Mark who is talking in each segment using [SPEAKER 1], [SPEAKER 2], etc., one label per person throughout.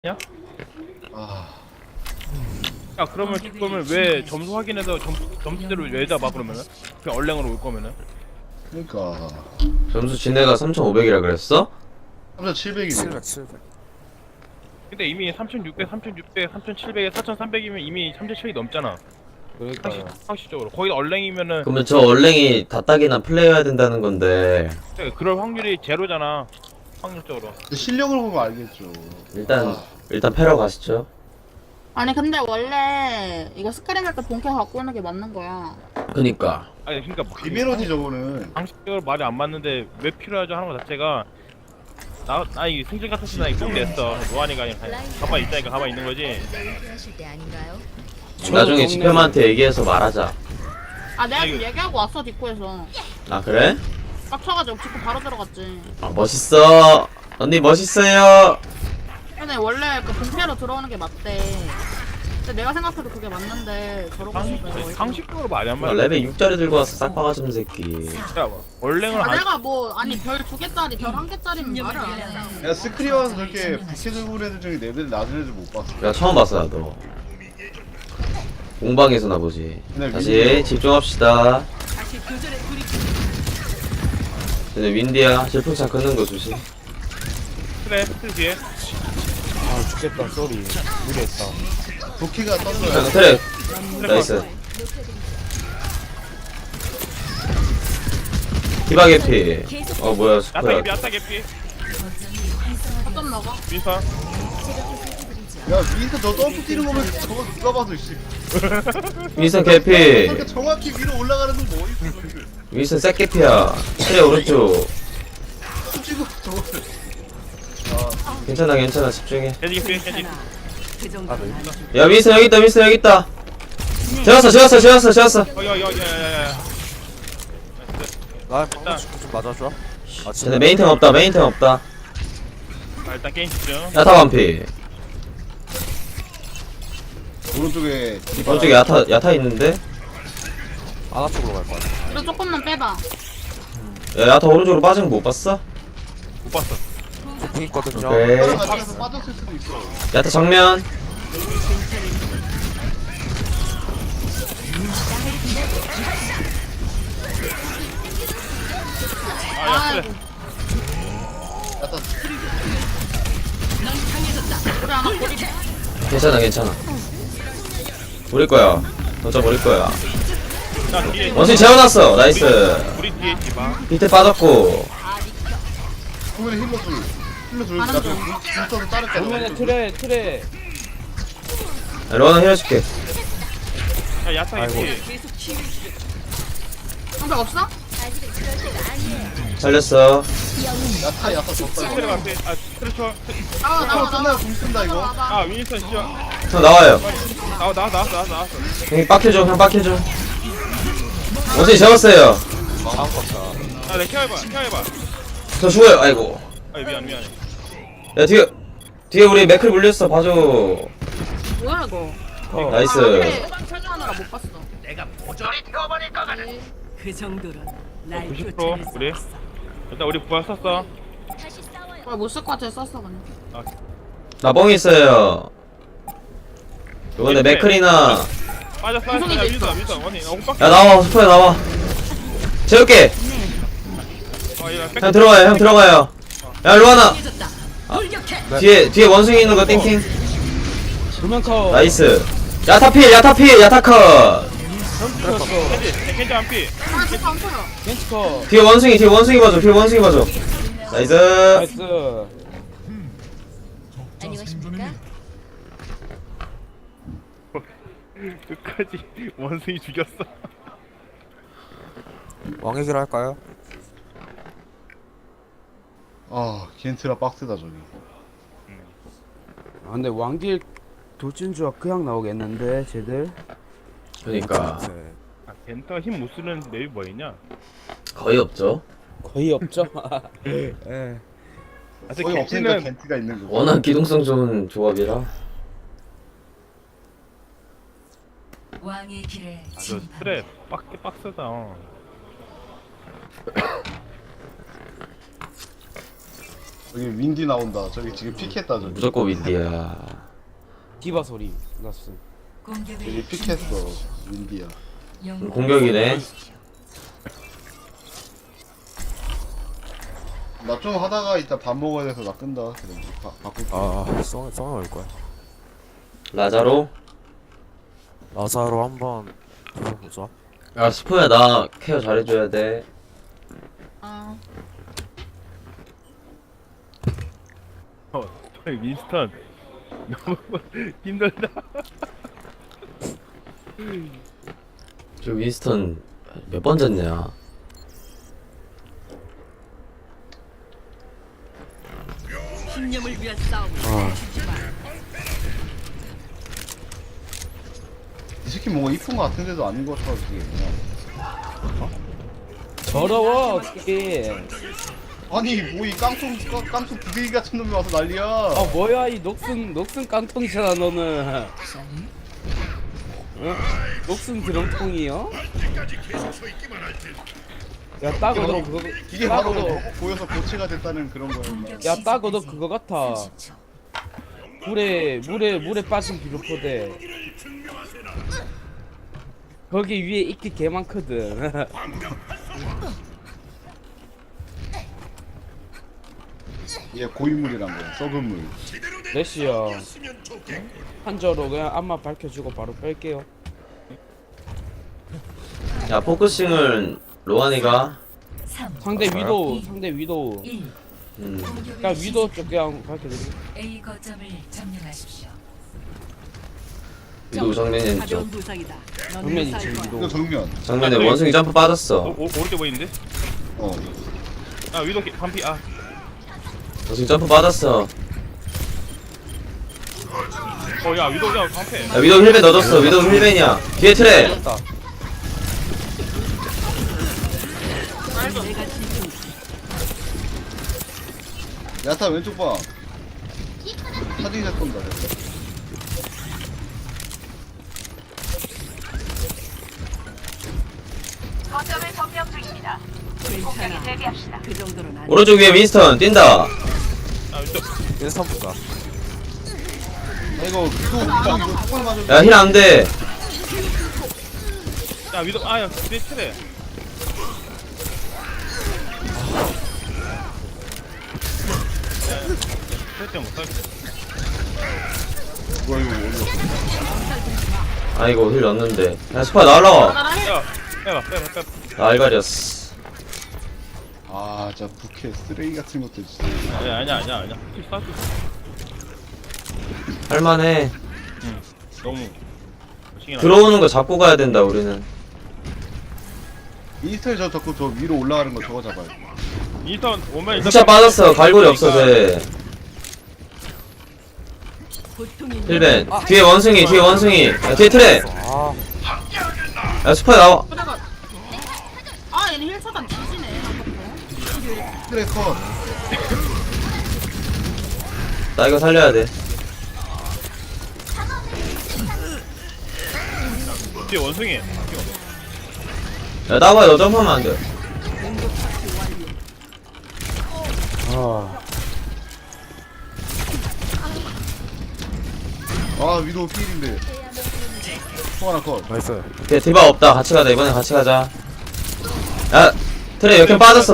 [SPEAKER 1] 야?
[SPEAKER 2] 아,
[SPEAKER 1] 야 그러면 왜 점수 확인해서 점수대로 왜다 봐 그러면은? 그냥 얼랭으로 올 거면은?
[SPEAKER 2] 그러니까
[SPEAKER 3] 점수 지네가 3,500이라 그랬어?
[SPEAKER 2] 3,700이네.
[SPEAKER 4] 700.
[SPEAKER 1] 근데 이미 3,600, 3,600, 3,700에 4,300이면 이미 3,700이 넘잖아.
[SPEAKER 4] 그러니까요.
[SPEAKER 1] 상식적으로 거기다 얼랭이면은
[SPEAKER 3] 그러면 저 얼랭이 다딱이나 플레이해야 된다는 건데
[SPEAKER 1] 그럴 확률이 제로잖아. 확률적으로.
[SPEAKER 2] 실력을 보면 알겠죠.
[SPEAKER 3] 일단 일단 패러 가시죠.
[SPEAKER 5] 아니 근데 원래 이거 스크림할 때 본캐 갖고 오는 게 맞는 거야.
[SPEAKER 3] 그니까
[SPEAKER 1] 아니 그러니까 뭐
[SPEAKER 2] 비메로디 저거는
[SPEAKER 1] 상식적으로 말이 안 맞는데 왜 필요하죠 하는 거 자체가 나 이 승진 같았으면 나꼭 냈어. 노안이가 아니라 가만히 있다니까 가만히 있는 거지.
[SPEAKER 6] 하실 때 아닌가요?
[SPEAKER 3] 나중에 지표한테 얘기해서 말하자.
[SPEAKER 5] 아 내가 좀
[SPEAKER 1] 아이고.
[SPEAKER 5] 얘기하고 왔어 뒷구에서.
[SPEAKER 3] 아 그래?
[SPEAKER 5] 빡쳐가지고 뒷구 바로 들어갔지.
[SPEAKER 3] 아 멋있어. 언니 멋있어요.
[SPEAKER 5] 근데 원래 그 본캐로 들어오는 게 맞대. 근데 내가 생각해도 그게 맞는데 저러고 있어.
[SPEAKER 1] 상식적으로 말이 안
[SPEAKER 3] 아,
[SPEAKER 1] 맞아.
[SPEAKER 3] 레벨 6짜리 들고 와서 싹바가 좀 새끼.
[SPEAKER 1] 야 얼랭을
[SPEAKER 5] 아
[SPEAKER 1] 안
[SPEAKER 5] 내가 뭐 아니 별 2개짜리 별 1개짜리면 말을 안 해.
[SPEAKER 2] 야 스크린 와서 저렇게 부캐 들고 온 애들 중에 레벨 낮은 애들 못 봤어.
[SPEAKER 3] 야 처음 봤어 나도. 공방에서나 보지.
[SPEAKER 2] 근데
[SPEAKER 3] 다시
[SPEAKER 2] 윈디요.
[SPEAKER 3] 집중합시다. 근데 윈디야 질풍차 끄는 거 조심.
[SPEAKER 1] 그래 틀 뒤에.
[SPEAKER 4] 아 죽겠다. 쏘리. 무리했다.
[SPEAKER 2] 부캐가
[SPEAKER 3] 자,
[SPEAKER 2] 떴어요.
[SPEAKER 3] 트랙 나이스. 디바 개피. 어 뭐야
[SPEAKER 1] 야타
[SPEAKER 3] 스코야.
[SPEAKER 1] 개피 야타 개피.
[SPEAKER 5] 어쩜 먹어?
[SPEAKER 1] 민선.
[SPEAKER 2] 야 윈터 저 점프 뛰는 거면 저거 누가 봐도 씨.
[SPEAKER 3] 윈선 개피.
[SPEAKER 2] 그렇게 정확히 위로 올라가는 건 뭐 있어 저기.
[SPEAKER 3] 윈선 색 개피야. 트랙 오른쪽.
[SPEAKER 2] 찍고 저거를.
[SPEAKER 3] 괜찮아 괜찮아 집중해.
[SPEAKER 1] 돼지 개피 돼지.
[SPEAKER 3] 야 윈선 여기 있다 윈선 여기 있다. 재웠어.
[SPEAKER 1] 야야야야야.
[SPEAKER 4] 나 방금 좀 맞아줘. 아
[SPEAKER 3] 쟤네 메인템 없다 메인템 없다.
[SPEAKER 1] 아, 일단 게임 집중.
[SPEAKER 3] 야타 반피.
[SPEAKER 2] 오른쪽에
[SPEAKER 3] 오른쪽에 야타 있는데.
[SPEAKER 4] 아나 쪽으로 갈 거야.
[SPEAKER 5] 이거 조금만 빼봐.
[SPEAKER 3] 야 야타 오른쪽으로 빠진 거 못 봤어?
[SPEAKER 1] 못 봤어.
[SPEAKER 4] 공 있거든요.
[SPEAKER 3] 오케이.
[SPEAKER 2] 다른 가정에서 빠졌을 수도 있어.
[SPEAKER 3] 야타 정면.
[SPEAKER 1] 아, 야, 그래.
[SPEAKER 2] 약간
[SPEAKER 5] 우리 하나 고리.
[SPEAKER 3] 괜찮아. 우리 거야. 던져 버릴 거야.
[SPEAKER 1] 자, 뒤에.
[SPEAKER 3] 원숭이 재워놨어. 나이스.
[SPEAKER 1] 우리 뒤에 디바.
[SPEAKER 3] 밑에 빠졌고.
[SPEAKER 2] 보면 힐러 둘. 힐러 둘. 나중에 윈터도 따를게.
[SPEAKER 4] 정면에 틀에.
[SPEAKER 3] 로나 힐해줄게.
[SPEAKER 1] 야, 야타
[SPEAKER 4] 아이고.
[SPEAKER 1] 개피.
[SPEAKER 5] 방벽 없어?
[SPEAKER 3] 살렸어.
[SPEAKER 2] 야타 졌다.
[SPEAKER 1] 트레 앞에. 아, 트레초.
[SPEAKER 5] 나와.
[SPEAKER 2] 끝나요 공 쓴다 이거.
[SPEAKER 5] 와봐.
[SPEAKER 1] 아, 윈스턴 진짜.
[SPEAKER 3] 형 나와요.
[SPEAKER 1] 나왔어.
[SPEAKER 3] 형이 빡해줘. 형 빡해줘. 원숭이 재웠어요.
[SPEAKER 1] 아, 내 케어해봐.
[SPEAKER 3] 저 죽어요. 아이고.
[SPEAKER 1] 아, 미안해.
[SPEAKER 3] 야 뒤에 우리 맥클 물렸어. 봐줘.
[SPEAKER 5] 뭐야 이거?
[SPEAKER 3] 나이스.
[SPEAKER 5] 설정하느라 못 봤어.
[SPEAKER 7] 그 정도로 날
[SPEAKER 1] 90%
[SPEAKER 7] 쫓아낼 수
[SPEAKER 1] 우리.
[SPEAKER 7] 없어.
[SPEAKER 1] 일단 우리 부활 썼어.
[SPEAKER 5] 못쓸 것 같아 썼어 그냥.
[SPEAKER 3] 나 뻥 있어요. 이번에 맥클이나.
[SPEAKER 1] 빠졌어.
[SPEAKER 5] 구성이
[SPEAKER 1] 야,
[SPEAKER 5] 돼 있어.
[SPEAKER 1] 윈스턴. 언니, 나 오빠.
[SPEAKER 3] 야 나와. 스포야 나와. 재울게. 형 들어가요. 야 루아나. 뒤에 원숭이 있는 거 띵띵.
[SPEAKER 4] 두명커.
[SPEAKER 3] 나이스. 야타컷.
[SPEAKER 1] 켄지 한 피.
[SPEAKER 5] 아 진짜 안 보여.
[SPEAKER 4] 겐치커.
[SPEAKER 3] 뒤에 원숭이 봐줘. 나이스.
[SPEAKER 4] 나이스.
[SPEAKER 6] 안녕하십니까?
[SPEAKER 1] 끝까지 원숭이 죽였어.
[SPEAKER 4] 왕의 길 할까요?
[SPEAKER 2] 아 겐트라 빡세다 저기.
[SPEAKER 8] 아 근데 왕길 돌진주가 그냥 나오겠는데 쟤들.
[SPEAKER 3] 그러니까
[SPEAKER 4] 네.
[SPEAKER 1] 아, 겐터가 힘 못 쓰는 맵이 뭐 있냐?
[SPEAKER 3] 거의 없죠.
[SPEAKER 8] 거의 없죠. 예.
[SPEAKER 1] 아, 근데
[SPEAKER 2] 거의 없으니까
[SPEAKER 1] 겐지는
[SPEAKER 2] 겐트가 있는 거.
[SPEAKER 3] 워낙 기동성 좋은 조합이라.
[SPEAKER 7] 왕의 길에
[SPEAKER 1] 저
[SPEAKER 7] 진입하라.
[SPEAKER 1] 트랩 빡세다.
[SPEAKER 2] 여기 윈디 나온다. 저기 지금 픽했다 저기.
[SPEAKER 3] 무조건 윈디야.
[SPEAKER 8] 디바 소리 났어.
[SPEAKER 2] 여기
[SPEAKER 7] 공격을
[SPEAKER 2] 픽했어. 윈디야.
[SPEAKER 3] 공격이네.
[SPEAKER 2] 나 좀 하다가 이따 밥 먹어야 돼서 나 끈다. 그럼 바꿀게.
[SPEAKER 9] 아, 썽 올 거야.
[SPEAKER 3] 라자로.
[SPEAKER 9] 라자로 한번 해보자.
[SPEAKER 3] 야 스포야 나 케어 잘해줘야 돼.
[SPEAKER 5] 아,
[SPEAKER 1] 저희 윈스턴 너무 힘들다.
[SPEAKER 3] 저 윈스턴 몇 번 졌냐?
[SPEAKER 7] 신념을 위한 싸움.
[SPEAKER 2] 이 새끼 뭔가 이쁜 거 같은데도 아닌 것 같아. 그게 그냥.
[SPEAKER 4] 더러워 어떻게?
[SPEAKER 2] 아니 뭐 이 깡통 부대기 같은 놈이 와서 난리야.
[SPEAKER 4] 아 뭐야 이 녹슨 깡통이잖아 너는. 어? 녹슨 드럼통이요? 야 따고 너 그거
[SPEAKER 2] 이게
[SPEAKER 4] 따고
[SPEAKER 2] 바로
[SPEAKER 4] 너
[SPEAKER 2] 보여서 고체가 됐다는 그런 거야.
[SPEAKER 4] 야 따고 너 그거 같아. 물에 빠진 비료포대. 거기 위에 이끼 개 많거든.
[SPEAKER 2] 얘 고인물이란 거야. 썩은 물.
[SPEAKER 4] 레시야. 한저로 그냥 앞만 밝혀주고 바로 뺄게요.
[SPEAKER 3] 야 포커싱을 로안이가.
[SPEAKER 7] 3,
[SPEAKER 4] 상대 위도우.
[SPEAKER 7] 1.
[SPEAKER 4] 그냥 위도우 쪽 그냥 밝혀주고.
[SPEAKER 7] A 거점을 점령하십시오.
[SPEAKER 3] 위도 정면에 쪽.
[SPEAKER 7] 가벼운 부상이다. 넌
[SPEAKER 4] 정면
[SPEAKER 7] 무사할
[SPEAKER 4] 2층
[SPEAKER 7] 거야.
[SPEAKER 2] 이거
[SPEAKER 4] 위도우.
[SPEAKER 2] 정면.
[SPEAKER 3] 정면에 원숭이 점프 빠졌어.
[SPEAKER 1] 오른쪽 보이는데?
[SPEAKER 2] 어.
[SPEAKER 1] 아 위도 반피. 아
[SPEAKER 3] 원숭이 점프 빠졌어.
[SPEAKER 1] 야 위도 야 반패.
[SPEAKER 3] 야 위도 힐벤 넣어줬어. 위도 힐벤이야. 뒤에 트레.
[SPEAKER 2] 야타 왼쪽 봐. 사진 샷 건다.
[SPEAKER 7] 괜찮아. 그 정도는 안 돼.
[SPEAKER 3] 오른쪽 위에 윈스턴 뛴다.
[SPEAKER 1] 아 위도.
[SPEAKER 9] 인스턴 보자.
[SPEAKER 2] 이거 이거 턱을 맞아.
[SPEAKER 3] 야 힐 안 돼.
[SPEAKER 1] 야 위도 아야 뒤에 트레. 트레 때문에 못하겠어.
[SPEAKER 2] 뭐야 이거 어디서?
[SPEAKER 3] 아이고 힐 넣었는데. 야 스파 날라와.
[SPEAKER 1] 야 빼봐.
[SPEAKER 3] 나 알갈이었어.
[SPEAKER 2] 아 진짜 부캐 쓰레기 같은 것들 진짜.
[SPEAKER 1] 아니야. 킬 쐈어.
[SPEAKER 3] 할만해.
[SPEAKER 1] 너무. 신기하다.
[SPEAKER 3] 들어오는 거 잡고 가야 된다 우리는.
[SPEAKER 2] 이스텔 저 자꾸 저 위로 올라가는 거 저거 잡아요.
[SPEAKER 1] 일단 오면
[SPEAKER 3] 훅샷 빠졌어. 갈고리 없어 쟤.
[SPEAKER 7] 보통인
[SPEAKER 3] 힐벤. 뒤에 원숭이. 야, 뒤에 트레.
[SPEAKER 9] 아,
[SPEAKER 3] 야 스파 나와.
[SPEAKER 5] 그래가. 아, 얘는 힐 차단 뒤지네. 아깝다.
[SPEAKER 2] 트레 컷.
[SPEAKER 3] 나 이거 살려야 돼.
[SPEAKER 1] 뒤에 원숭이.
[SPEAKER 3] 야 나봐 너 점프하면 안 돼.
[SPEAKER 2] 아 위도우 필인데. 통 하나 컷.
[SPEAKER 9] 나이스.
[SPEAKER 3] 걔 디바 없다. 같이 가자. 이번엔 같이 가자. 야 트레 역행 빠졌어.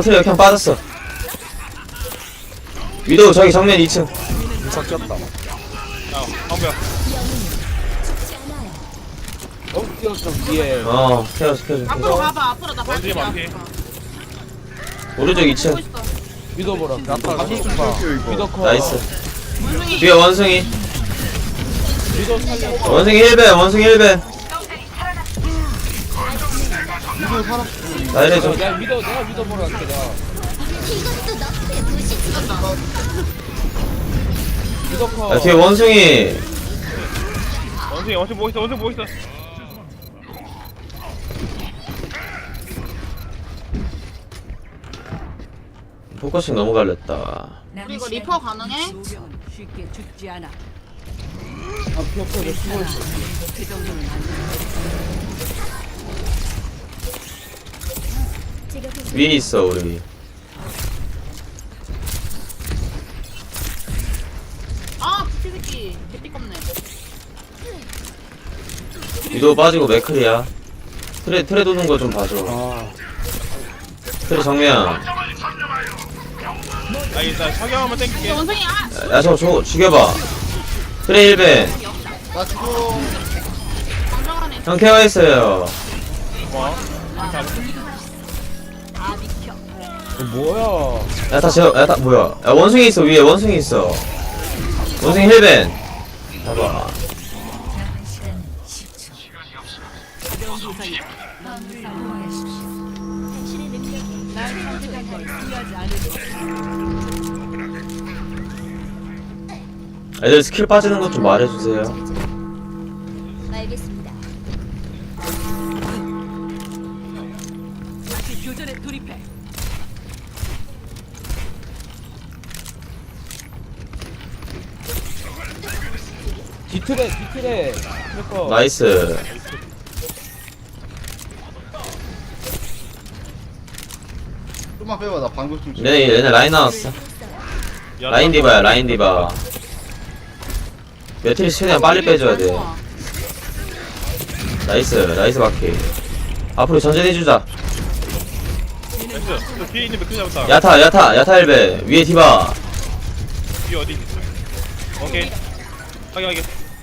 [SPEAKER 3] 위도우 저기 정면 2층.
[SPEAKER 9] 인스턴 뛰었다.
[SPEAKER 1] 야 방패야.
[SPEAKER 4] 좀 뒤에.
[SPEAKER 3] 케어 시켜줄게.
[SPEAKER 5] 앞으로 가봐. 앞으로 나
[SPEAKER 1] 원숭이
[SPEAKER 5] 밟을게.
[SPEAKER 1] 반피.
[SPEAKER 3] 오른쪽 2층.
[SPEAKER 5] 보고 있어.
[SPEAKER 4] 위도우 보라.
[SPEAKER 2] 가슴 좀 뺄게요 이거.
[SPEAKER 4] 위도우 컷.
[SPEAKER 3] 나이스.
[SPEAKER 5] 원숭이.
[SPEAKER 3] 뒤에 원숭이.
[SPEAKER 4] 위도우 살려.
[SPEAKER 3] 원숭이 1벤.
[SPEAKER 2] 위도우 살아.
[SPEAKER 3] 나 이래줘.
[SPEAKER 4] 내가 위도우 보러 갈게 내가. 위도우 컷.
[SPEAKER 3] 야 뒤에 원숭이.
[SPEAKER 1] 원숭이 보고 있어.
[SPEAKER 3] 포커싱 너무 갈렸다.
[SPEAKER 5] 우리 이거 리퍼 가능해?
[SPEAKER 7] 조명은 쉽게 죽지 않아.
[SPEAKER 4] 아 피어포 내 숨어 있어.
[SPEAKER 7] 그 정도는 안 돼.
[SPEAKER 3] 위에 있어 우리.
[SPEAKER 5] 띠껍네.
[SPEAKER 3] 위도 빠지고 맥클이야. 트레 도는 거 좀 봐줘.
[SPEAKER 8] 아
[SPEAKER 3] 트레 정면.
[SPEAKER 1] 아 일단 석영 한번 땡길게.
[SPEAKER 5] 원숭이 아!
[SPEAKER 3] 야 저거 죽여봐. 트레 1벤.
[SPEAKER 2] 나 죽어.
[SPEAKER 5] 방정하네.
[SPEAKER 3] 형 케어했어요.
[SPEAKER 1] 뭐?
[SPEAKER 4] 뭐야?
[SPEAKER 3] 야타 뭐야? 야 원숭이 있어 위에 원숭이 있어. 원숭이 1벤. 봐봐.
[SPEAKER 6] 남은 시간 10초.
[SPEAKER 7] 가벼운 부상이다.
[SPEAKER 6] 사용하십시오. 당신의 능력이
[SPEAKER 7] 날 선택한 걸 후회하지 않을 거야.
[SPEAKER 3] 애들 스킬 빠지는 것 좀 말해주세요.
[SPEAKER 6] 알겠습니다.
[SPEAKER 7] 다시 교전에 돌입해.
[SPEAKER 4] 뒤틀에 그러니까
[SPEAKER 3] 나이스.
[SPEAKER 2] 좀만 빼봐. 나 방금 좀.
[SPEAKER 3] 얘네 라인 나왔어. 라인 디바야 라인 디바. 매트리스 최대한 빨리 빼줘야 돼. 나이스 바퀴. 앞으로 전진해주자.
[SPEAKER 1] 나이스. 저 뒤에 있는 맥주 잡았다.
[SPEAKER 3] 야타 1벤. 위에 디바.
[SPEAKER 1] 뒤에 어디 있어? 오케이. 확인.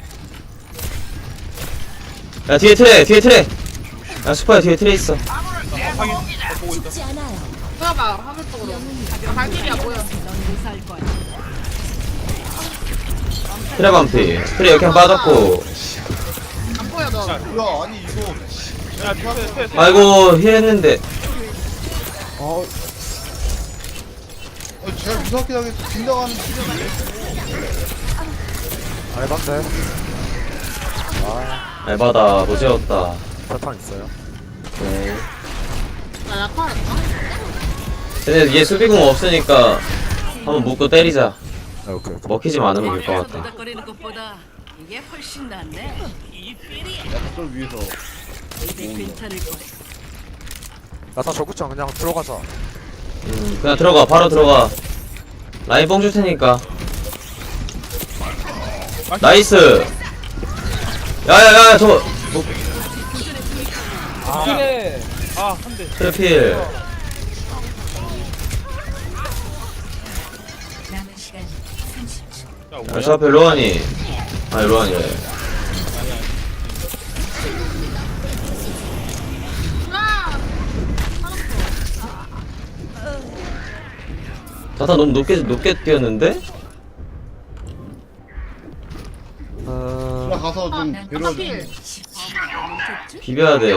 [SPEAKER 3] 야 뒤에 트레. 야 슈퍼야 뒤에 트레 있어.
[SPEAKER 1] 확인. 보고 있어.
[SPEAKER 6] 죽지 않아요.
[SPEAKER 5] 보여봐 화면 쪽으로. 발길이야 보여.
[SPEAKER 7] 넌 무사할 거야.
[SPEAKER 3] 트레 반피. 트레 역행 빠졌고.
[SPEAKER 5] 안 보여 너.
[SPEAKER 2] 뭐야? 아니 이거.
[SPEAKER 1] 야 트레.
[SPEAKER 3] 아이고 힐 했는데.
[SPEAKER 2] 제가 무섭게 하게 빈다가는
[SPEAKER 9] 알반데.
[SPEAKER 3] 에바다 노재웠다.
[SPEAKER 9] 자탄 있어요.
[SPEAKER 3] 네.
[SPEAKER 5] 나 약화했다.
[SPEAKER 3] 쟤네 얘 수비공 없으니까 한번 묶고 때리자.
[SPEAKER 9] 아, 오케이.
[SPEAKER 3] 먹히지만 않으면 될 것
[SPEAKER 7] 거리에서
[SPEAKER 3] 같다.
[SPEAKER 7] 노닥거리는 것보다 이게 훨씬 낫네. 이 삘이
[SPEAKER 2] 약점 위에서.
[SPEAKER 7] 이제 괜찮을 거야.
[SPEAKER 9] 야타 저구장 그냥 들어가자.
[SPEAKER 3] 그냥 들어가 바로 들어가. 라인 뽕 줄 테니까. 나이스. 야야야 저거
[SPEAKER 4] 뒤틀에
[SPEAKER 1] 아 한 대.
[SPEAKER 3] 트래필.
[SPEAKER 6] 남은 시간 30초.
[SPEAKER 1] 야
[SPEAKER 3] 야,
[SPEAKER 1] 뭐야?
[SPEAKER 3] 저 앞에 로안이. 아니 로안이래.
[SPEAKER 5] 아!
[SPEAKER 3] 자타 너무 높게 뛰었는데?
[SPEAKER 2] 나 가서 좀 데려와줘.
[SPEAKER 5] 필.
[SPEAKER 3] 비벼야 돼.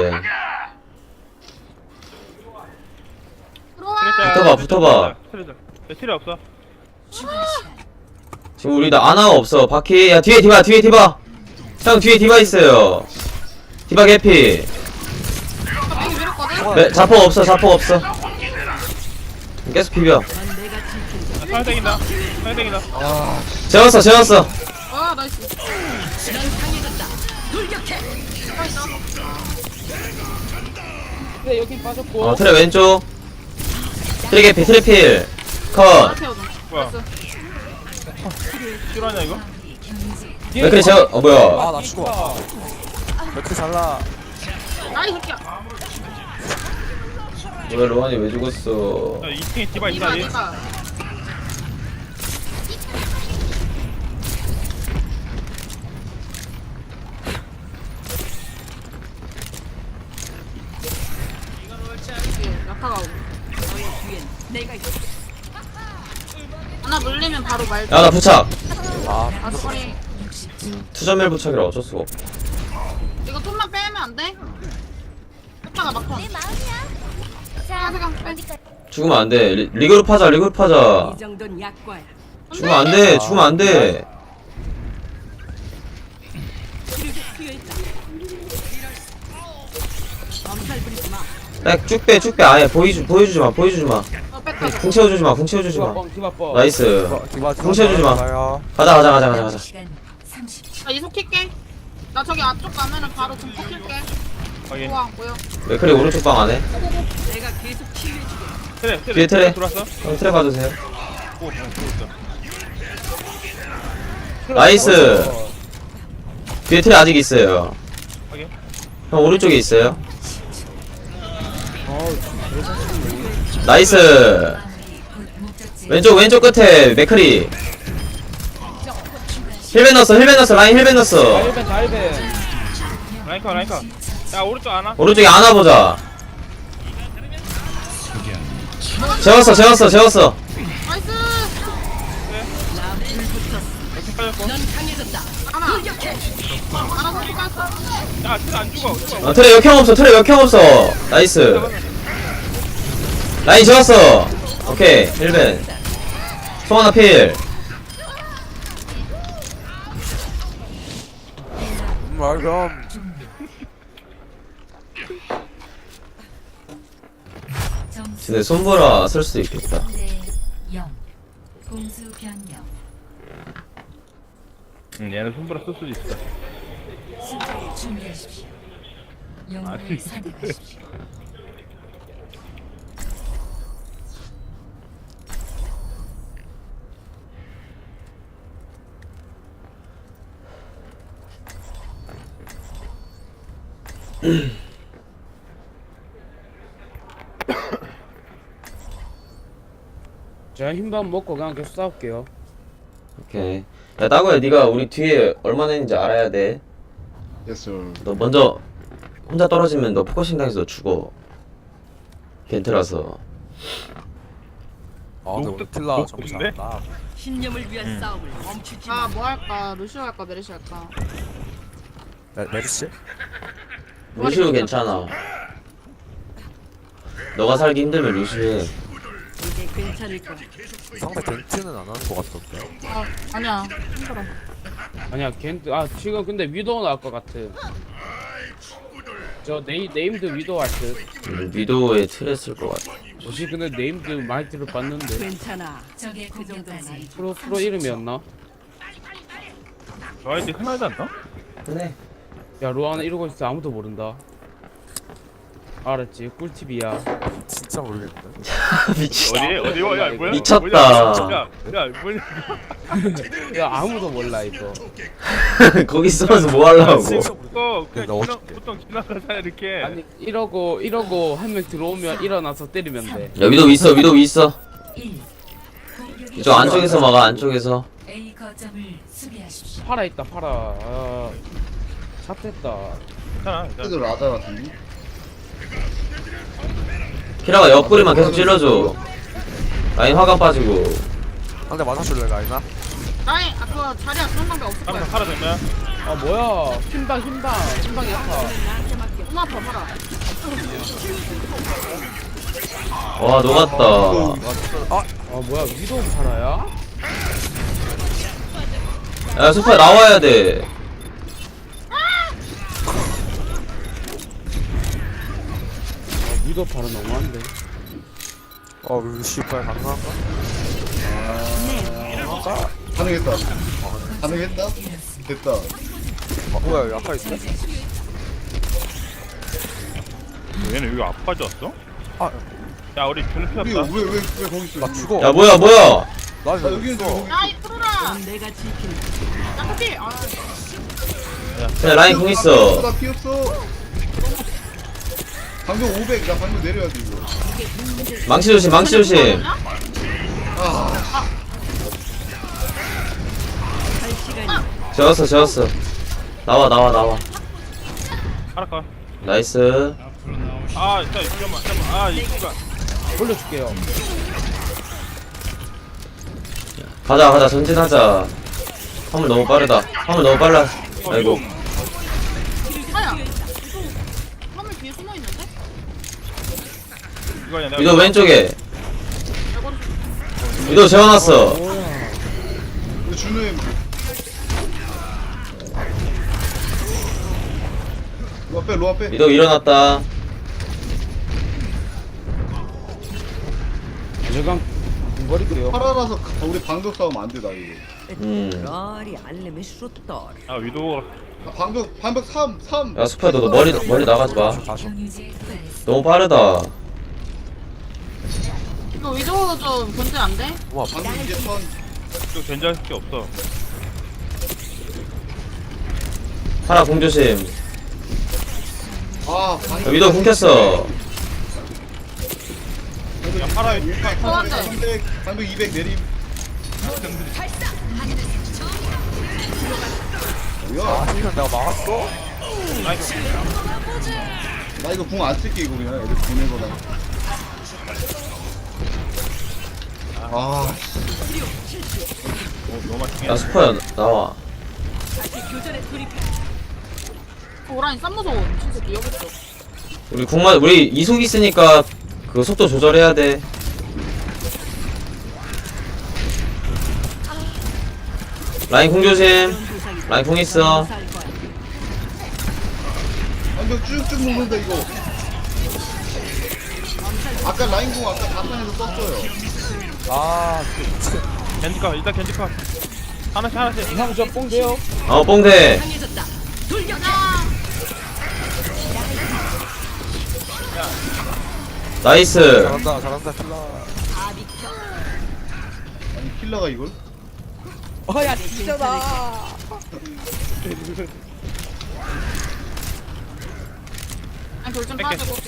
[SPEAKER 5] 들어와.
[SPEAKER 3] 붙어봐.
[SPEAKER 1] 트레 없어.
[SPEAKER 3] 지금 우리 나 아나가 없어. 바퀴. 야 뒤에 디바. 형 뒤에 디바 있어요. 디바 개피.
[SPEAKER 5] 여기 밀었거든.
[SPEAKER 3] 자포 없어. 계속 비벼.
[SPEAKER 7] 넌 내가 지킨
[SPEAKER 1] 사연 땡긴다.
[SPEAKER 3] 재웠어.
[SPEAKER 5] 아 나이스.
[SPEAKER 4] 뒤틀에 여기 빠졌고
[SPEAKER 3] 트레 왼쪽. 트레 개피. 트레필. 컷.
[SPEAKER 5] 태워줘.
[SPEAKER 1] 뭐야? 실화냐 이거?
[SPEAKER 3] 왜 그래 뭐야.
[SPEAKER 9] 아, 나 죽어. 왜 이렇게 잘라?
[SPEAKER 5] 아이 새끼야.
[SPEAKER 3] 왜 로안이 왜 죽었어?
[SPEAKER 1] 야 2층에 디바
[SPEAKER 5] 이봐
[SPEAKER 1] 있다니.
[SPEAKER 5] 이봐. 약화가 오고.
[SPEAKER 7] 너의 뒤엔 내가 있어.
[SPEAKER 5] 하나 물리면 바로 말지.
[SPEAKER 3] 야 나 부착.
[SPEAKER 5] 아 소리.
[SPEAKER 3] 투전멸 부착이라 어쩔 수가 없어.
[SPEAKER 5] 이거 좀만 빼면 안 돼? 오빠가 막판.
[SPEAKER 6] 내 마음이야. 자,
[SPEAKER 5] 잠깐 빼.
[SPEAKER 6] 어디까지?
[SPEAKER 3] 죽으면 안 돼. 리그룹 하자.
[SPEAKER 7] 이 정도는 약과야.
[SPEAKER 3] 죽으면 안 돼.
[SPEAKER 7] 치료제 필요했다. 엄살 부리지 마.
[SPEAKER 3] 쭉 빼. 아예 보여주지 마.
[SPEAKER 5] 어 뺐다.
[SPEAKER 3] 궁 채워주지 마.
[SPEAKER 4] 디바뻥
[SPEAKER 3] 나이스.
[SPEAKER 9] 디바
[SPEAKER 3] 궁 채워주지 마.
[SPEAKER 9] 가요.
[SPEAKER 3] 가자.
[SPEAKER 6] 남은 시간 30초.
[SPEAKER 5] 나 이속 킬게. 나 저기 앞쪽 가면은 바로 좀 킬게.
[SPEAKER 1] 확인.
[SPEAKER 5] 우와 뭐야?
[SPEAKER 3] 맥클이 오른쪽 방 안에.
[SPEAKER 7] 내가 계속 치료해주게.
[SPEAKER 1] 트레.
[SPEAKER 3] 뒤에 트레.
[SPEAKER 1] 들어왔어?
[SPEAKER 3] 형 트랩 봐주세요.
[SPEAKER 1] 오 들어왔어.
[SPEAKER 3] 나이스. 뒤에 트레 아직 있어요.
[SPEAKER 1] 확인.
[SPEAKER 3] 형 오른쪽에 있어요.
[SPEAKER 8] 어우
[SPEAKER 3] 나이스.
[SPEAKER 6] 곧 목적지
[SPEAKER 3] 왼쪽 끝에 맥크리. 힐벤 넣었어 라인 힐벤 넣었어.
[SPEAKER 4] 달벤 달벤.
[SPEAKER 1] 라인카. 야 오른쪽 안 와?
[SPEAKER 3] 오른쪽에 안아 보자. 재웠어.
[SPEAKER 5] 나이스.
[SPEAKER 1] 이렇게 빠졌고.
[SPEAKER 5] 하나. 하나 선수 깠어.
[SPEAKER 1] 야 진짜 안 죽어.
[SPEAKER 3] 트레 역형 없어. 나이스. 라인 재웠어. 오케이 힐벤. 송하나 필.
[SPEAKER 9] 말감.
[SPEAKER 6] 점수
[SPEAKER 3] 근데 손보라 쓸 수도 있겠다.
[SPEAKER 6] 3대 0 공수 변경
[SPEAKER 1] 얘는 손보라 쓸 수도 있어.
[SPEAKER 6] 수비를 준비하십시오. 영웅을 선택하십시오.
[SPEAKER 4] 제가 흰밥 먹고 그냥 계속 싸울게요.
[SPEAKER 3] 오케이. 야 따구야 네가 우리 뒤에 얼마나 있는지 알아야 돼.
[SPEAKER 2] Yes sir.
[SPEAKER 3] 너 먼저 혼자 떨어지면 너 포커싱 당해서 너 죽어. 겐트라서.
[SPEAKER 9] 아 근데 오늘 킬라 정신 안 나.
[SPEAKER 7] 신념을 위한 싸움을 멈추지
[SPEAKER 5] 아,
[SPEAKER 7] 마.
[SPEAKER 5] 뭐 할까? 루시오 할까? 메르시 할까?
[SPEAKER 9] 메르시?
[SPEAKER 3] 루시우 괜찮아. 너가 살기 힘들면 루시우 해.
[SPEAKER 7] 이제 괜찮을 거야.
[SPEAKER 9] 상대 겐트는 안 하는 것 같던데.
[SPEAKER 5] 아, 아니야. 힘들어.
[SPEAKER 4] 아니야 겐트 지금 근데 위도우 나올 것 같아. 저 네임드 위도우 할 듯.
[SPEAKER 3] 위도우에 틀에 쓸 것 같아.
[SPEAKER 4] 혹시 근데 네임드 많이 들어봤는데
[SPEAKER 7] 괜찮아.
[SPEAKER 6] 적의 공격까지
[SPEAKER 4] 프로 이름이었나?
[SPEAKER 1] 저 아이디 흔하지 않나?
[SPEAKER 3] 그래.
[SPEAKER 4] 야 로아나 이러고 있어 아무도 모른다. 알았지 꿀팁이야.
[SPEAKER 9] 진짜 모르겠는데.
[SPEAKER 1] 어디 야 뭐야?
[SPEAKER 3] 미쳤다.
[SPEAKER 1] 야 뭐냐?
[SPEAKER 4] 야 아무도 몰라 이거.
[SPEAKER 3] 거기 있으면서 뭐 하려고.
[SPEAKER 1] 그거 그냥
[SPEAKER 9] 넣어줄게.
[SPEAKER 1] 보통 지나가자 이렇게.
[SPEAKER 4] 아니 이러고 한 명 들어오면 일어나서 때리면 돼.
[SPEAKER 3] 야 위도우 있어.
[SPEAKER 6] 1 공격이
[SPEAKER 3] 이쪽 안쪽에서 막아 안쪽에서.
[SPEAKER 6] A 거점을 수비하십시오.
[SPEAKER 4] 팔아 있다 팔아. 아, 샷했다.
[SPEAKER 1] 괜찮아.
[SPEAKER 2] 그래도 라자 같은데?
[SPEAKER 3] 키라가 옆구리만 계속 찔러줘. 라인 화가 빠지고.
[SPEAKER 9] 상대 맞아줄래 라이나?
[SPEAKER 5] 라인, 아, 그거 자리야. 그런 방법 없을 거야.
[SPEAKER 1] 한번 팔아 되면.
[SPEAKER 4] 아 뭐야 흰방 약하.
[SPEAKER 5] 엄마 아파, 봐라.
[SPEAKER 3] 와 녹았다.
[SPEAKER 4] 아 뭐야 위도우 팔아야?
[SPEAKER 3] 야 소파 나와야 돼.
[SPEAKER 4] 아 위도우 팔아 너무한데.
[SPEAKER 9] 우리 씨발 가능한가?
[SPEAKER 2] 가능했다. 가능했다? 됐다.
[SPEAKER 9] 뭐야 약하 있어?
[SPEAKER 1] 얘는 여기 안 빠졌어?
[SPEAKER 9] 아.
[SPEAKER 1] 야 우리 주는 필요
[SPEAKER 2] 우리
[SPEAKER 1] 없다.
[SPEAKER 2] 왜 거기 있어?
[SPEAKER 9] 나 죽어.
[SPEAKER 3] 야 뭐야.
[SPEAKER 9] 나
[SPEAKER 2] 아, 여기 있어.
[SPEAKER 5] 야, 이 프로라!
[SPEAKER 7] 내가 지킨다.
[SPEAKER 5] 야, 커피! 아,
[SPEAKER 3] 그래 라인 공 있어.
[SPEAKER 2] 나 피었어. 방금 500. 나 방금 내려야 돼 이거.
[SPEAKER 3] 망치 조심.
[SPEAKER 2] 아,
[SPEAKER 7] 할 시간이
[SPEAKER 3] 재웠어. 나와.
[SPEAKER 1] 알아까.
[SPEAKER 3] 나이스.
[SPEAKER 1] 아 진짜 잠깐만. 아 이거.
[SPEAKER 4] 돌려줄게요.
[SPEAKER 3] 가자 전진하자. 화물 너무 빨라. 아이고.
[SPEAKER 5] 아야! 화물 뒤에 숨어 있는데?
[SPEAKER 1] 이거 아니야.
[SPEAKER 3] 위도 왼쪽에. 위도 재워놨어.
[SPEAKER 2] 우리 준우님. 로아 빼.
[SPEAKER 3] 위도 일어났다.
[SPEAKER 4] 제가 버릴게요.
[SPEAKER 2] 팔아라서 우리 방벽 싸움 안 되다 이거.
[SPEAKER 7] 러리 알림이 슈터.
[SPEAKER 1] 아 위도.
[SPEAKER 2] 방벽 3.
[SPEAKER 3] 야 수파야 너 머리 나가지 마.
[SPEAKER 6] 경유지에 도달했습니다.
[SPEAKER 3] 너무 빠르다.
[SPEAKER 5] 이거 위도우 좀 견제 안 돼?
[SPEAKER 2] 방금 이게 선.
[SPEAKER 1] 또 견제할 게 없어.
[SPEAKER 3] 파라 공조심.
[SPEAKER 2] 아
[SPEAKER 3] 야, 위도 궁켰어.
[SPEAKER 1] 야 팔아
[SPEAKER 5] 소환돼.
[SPEAKER 2] 300 300 200 내림 뭐야
[SPEAKER 9] 아 힐은 내가 막았어?
[SPEAKER 2] 나 이거 궁 안 쓸게 이거 그냥 애들 보낸 거다 아
[SPEAKER 1] 너무 맛있게
[SPEAKER 3] 야 스퍼야 나와.
[SPEAKER 5] 오라니 쌈 무서워. 진짜 여기 있어.
[SPEAKER 3] 우리 궁만 우리 이속 있으니까 그 속도 조절해야 돼. 라인 궁조심. 라인 궁 있어.
[SPEAKER 2] 완전 쭉쭉 먹는다 이거 아까 라인 궁 아까 자판에서 썼어요
[SPEAKER 9] 아
[SPEAKER 1] 겐지카 일단 겐지카 하나씩
[SPEAKER 4] 형 저 뽕 돼요?
[SPEAKER 3] 어 뽕대. 나이스.
[SPEAKER 9] 잘한다 잘한다 킬라.
[SPEAKER 2] 아니 킬러가 이걸?
[SPEAKER 4] 어야 진짜다.
[SPEAKER 5] 아니 돌좀
[SPEAKER 1] 뺄게.
[SPEAKER 5] 빠지고.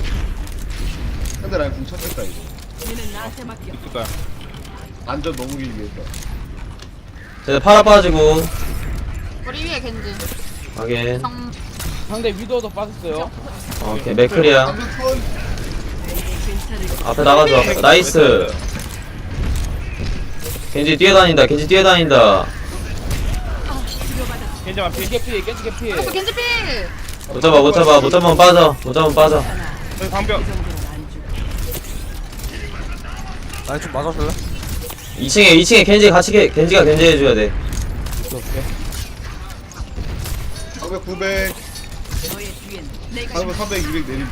[SPEAKER 2] 근데 라인 궁 쳤겠다 이거
[SPEAKER 7] 얘는 나한테 맡겨.
[SPEAKER 1] 있을 거야.
[SPEAKER 2] 안전 너무 길게 했다
[SPEAKER 3] 쟤 파라 빠지고.
[SPEAKER 5] 우리 위에 겐지.
[SPEAKER 3] 확인.
[SPEAKER 5] 성.
[SPEAKER 4] 상대 위도도 빠졌어요.
[SPEAKER 3] 오케이 맥클이야.
[SPEAKER 2] 방금 턴
[SPEAKER 3] 앞에 나가줘. 나이스. 겐지 뛰어다닌다. 겐지 뛰어다닌다.
[SPEAKER 1] 겐지만 피.
[SPEAKER 4] 겐지 개피 겐지 개피.
[SPEAKER 5] 또 겐지 필.
[SPEAKER 3] 못 잡아 못 잡아 못 잡으면 빠져. 못 잡으면 빠져.
[SPEAKER 1] 저기 방벽.
[SPEAKER 9] 아니 좀 맞아줄래?
[SPEAKER 3] 2층에 겐지 같이 겐지가 겐지 해줘야 돼.
[SPEAKER 2] 방금 900
[SPEAKER 7] 너의 뒤엔 내가
[SPEAKER 2] 방금 300 200 내림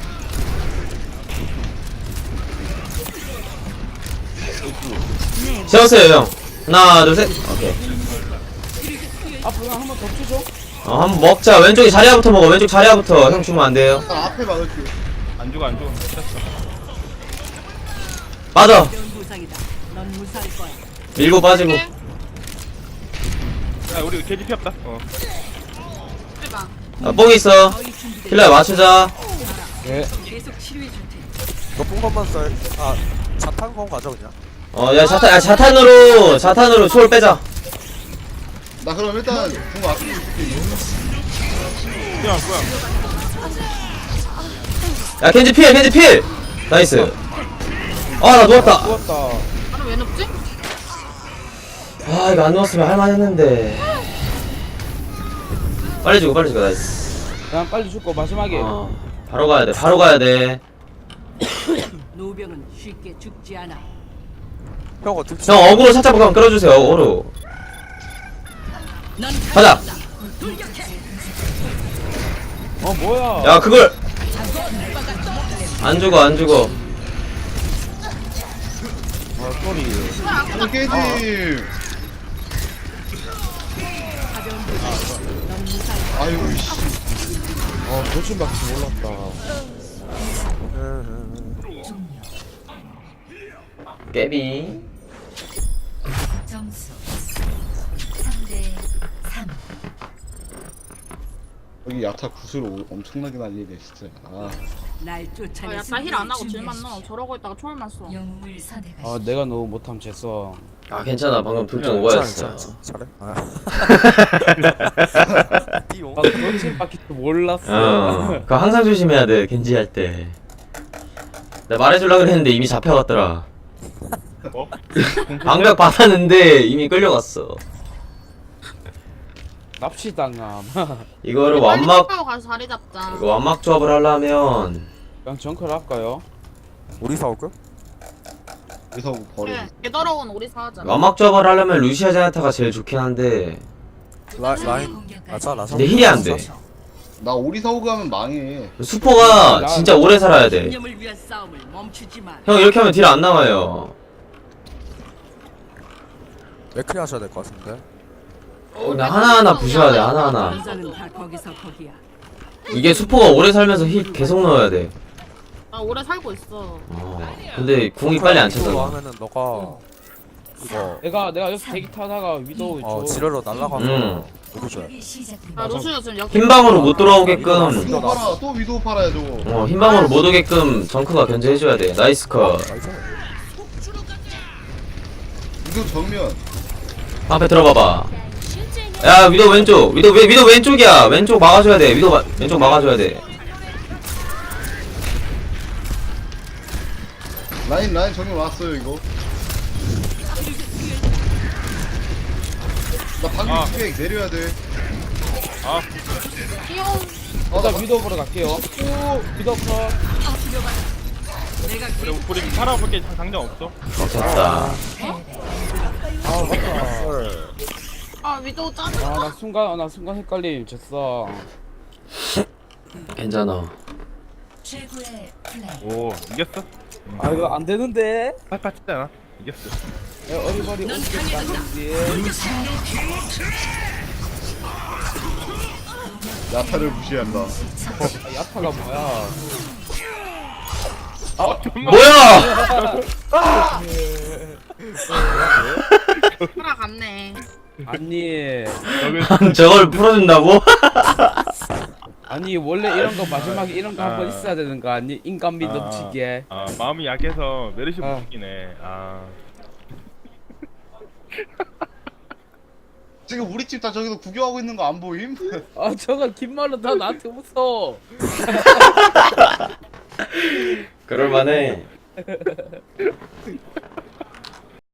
[SPEAKER 3] 세웠어요 형. 하나 둘 셋. 오케이.
[SPEAKER 4] 앞으로 한번 더 쳐줘.
[SPEAKER 3] 한번 먹자. 왼쪽에 자리야부터 먹어. 왼쪽 자리야부터. 형 주면 안 돼요.
[SPEAKER 2] 나 앞에 막을게
[SPEAKER 1] 안 죽어 안 죽어. 됐어.
[SPEAKER 3] 빠져.
[SPEAKER 7] 이런 부상이다. 넌 무사할 거야.
[SPEAKER 3] 밀고 빠지고.
[SPEAKER 1] 야 우리 겐지 피 없다.
[SPEAKER 5] 필방.
[SPEAKER 3] 뽕 있어.
[SPEAKER 7] 거의 준비돼.
[SPEAKER 3] 킬러야 맞추자.
[SPEAKER 7] 계속 치료해 줄 테니.
[SPEAKER 9] 너뽕 것만 써. 아 자탄 건 가져 그냥.
[SPEAKER 3] 야 자탄으로 초월 빼자.
[SPEAKER 2] 나 그럼 일단 궁 앞에 있을게 이거
[SPEAKER 1] 그냥 뭐야.
[SPEAKER 3] 야 겐지 필. 나이스. 아 나 누웠다.
[SPEAKER 4] 죽었다.
[SPEAKER 5] 나는 왜 눕지?
[SPEAKER 3] 아 이거 안 누웠으면 할만했는데. 빨리 주고 나이스.
[SPEAKER 4] 그냥 빨리 죽고 마지막에.
[SPEAKER 3] 바로 가야 돼.
[SPEAKER 7] 노병은 쉽게 죽지 않아.
[SPEAKER 9] 형 어떻게?
[SPEAKER 3] 형 어그로 살짝 한번 끌어주세요. 어그로.
[SPEAKER 7] 넌
[SPEAKER 3] 가자.
[SPEAKER 4] 뭐야?
[SPEAKER 3] 야 그걸 안 죽어.
[SPEAKER 4] 소리.
[SPEAKER 2] 이거 깨지 아이고 씨
[SPEAKER 4] 도친밖에 몰랐다.
[SPEAKER 3] 깨비.
[SPEAKER 6] 점수 3대 3.
[SPEAKER 2] 여기 야타 구슬 엄청나게 날리네 진짜 아
[SPEAKER 7] 날
[SPEAKER 5] 아,
[SPEAKER 7] 쫓아내.
[SPEAKER 5] 약간 힐 안 하고 질만 넣어. 저러고 있다가 초월만 써.
[SPEAKER 6] 영웅을 선택하십시오.
[SPEAKER 4] 내가 너무 못함 쟀어.
[SPEAKER 3] 아 괜찮아. 방금 둘 중 오버였어.
[SPEAKER 9] 잘해. 아. 띠용.
[SPEAKER 4] 도친밖에 몰랐어.
[SPEAKER 3] 그거 항상 조심해야 돼. 겐지 할 때. 내가 말해주려고 그랬는데 이미 잡혀갔더라.
[SPEAKER 1] 뭐?
[SPEAKER 3] 방벽 받았는데 이미 끌려갔어.
[SPEAKER 4] 납치당함.
[SPEAKER 3] 이거를
[SPEAKER 5] 빨리
[SPEAKER 3] 완막
[SPEAKER 5] 하고 가서 자리 잡자.
[SPEAKER 3] 이거 완막 조합을 하려면
[SPEAKER 4] 그냥 정크를 할까요?
[SPEAKER 9] 우리 싸울까?
[SPEAKER 2] 여기서 버려
[SPEAKER 5] 그래. 개더러운 오리 사하자.
[SPEAKER 3] 완막 조합을 하려면 루시아 제나타가 제일 좋긴 한데
[SPEAKER 9] 라인. 아자 라자.
[SPEAKER 3] 근데 힐이 안 돼.
[SPEAKER 2] 나 오리사오 가면 망해
[SPEAKER 3] 수포가 진짜 오래 살아야 돼.
[SPEAKER 7] 신념을 위한 싸움을 멈추지 마.
[SPEAKER 3] 형 이렇게 하면 딜 안 나와요.
[SPEAKER 9] 맥크리 하셔야 될 것 같은데.
[SPEAKER 3] 그냥 하나하나 부셔야 돼. 하나하나.
[SPEAKER 7] 남자는 다 거기서 거기야.
[SPEAKER 3] 이게 수포가 오래 살면서 힐 계속 넣어야 돼.
[SPEAKER 5] 나 오래 살고 있어.
[SPEAKER 3] 근데 궁이 빨리 안
[SPEAKER 9] 이쪽으로
[SPEAKER 3] 차잖아.
[SPEAKER 9] 하면은 너가 이거
[SPEAKER 4] 내가 여기서 대기 타다가 위도우
[SPEAKER 9] 지뢰로 날아가면 누구죠?
[SPEAKER 6] 공격이 시작됩니다.
[SPEAKER 5] 아 루시오 지금 여기
[SPEAKER 3] 흰방으로 못 돌아오게끔
[SPEAKER 2] 위도 팔아 또 위도 팔아야 저거.
[SPEAKER 3] 흰방으로 못 오게끔 정크가 견제해줘야 돼. 나이스 컷.
[SPEAKER 9] 나이스.
[SPEAKER 2] 위도 정면.
[SPEAKER 3] 방패 들어봐봐. 야 위도 왼쪽. 위도 왼쪽이야. 왼쪽 막아줘야 돼. 왼쪽 막아줘야 돼.
[SPEAKER 2] 라인 정면 왔어요 이거. 나 방금
[SPEAKER 1] 아.
[SPEAKER 2] 스펙 내려야 돼.
[SPEAKER 1] 아
[SPEAKER 5] 귀여운
[SPEAKER 4] 일단 위도우 보러 갈게요. 오 위도우 컷.
[SPEAKER 1] 우리 팔아볼게 당장 없어.
[SPEAKER 3] 됐다.
[SPEAKER 5] 아 위도우 짜증
[SPEAKER 4] 나 순간 헷갈림 졌어.
[SPEAKER 3] 괜찮아.
[SPEAKER 6] 최고의 플레이.
[SPEAKER 1] 오 이겼어?
[SPEAKER 4] 아 이거 안 되는데.
[SPEAKER 1] 팔팔 쳤잖아. 이겼어.
[SPEAKER 4] 어리버리 오지겠다는지.
[SPEAKER 2] 야타를 무시한다.
[SPEAKER 4] 야타가 뭐야?
[SPEAKER 3] 뭐야?
[SPEAKER 5] 살아갔네.
[SPEAKER 4] 아니
[SPEAKER 3] 저걸 풀어준다고?
[SPEAKER 4] 아니 원래 이런 거 마지막에 이런 거 한번 있어야 되는 거 아니? 인간미
[SPEAKER 1] 아.
[SPEAKER 4] 넘치게.
[SPEAKER 1] 아 마음이 약해서 메르시
[SPEAKER 4] 아.
[SPEAKER 1] 못 죽이네. 아
[SPEAKER 2] 지금 우리 집 다 저기서 구경하고 있는 거 안 보임?
[SPEAKER 4] 아 저거 긴 말로 다 나한테 웃어.
[SPEAKER 3] 그럴만해.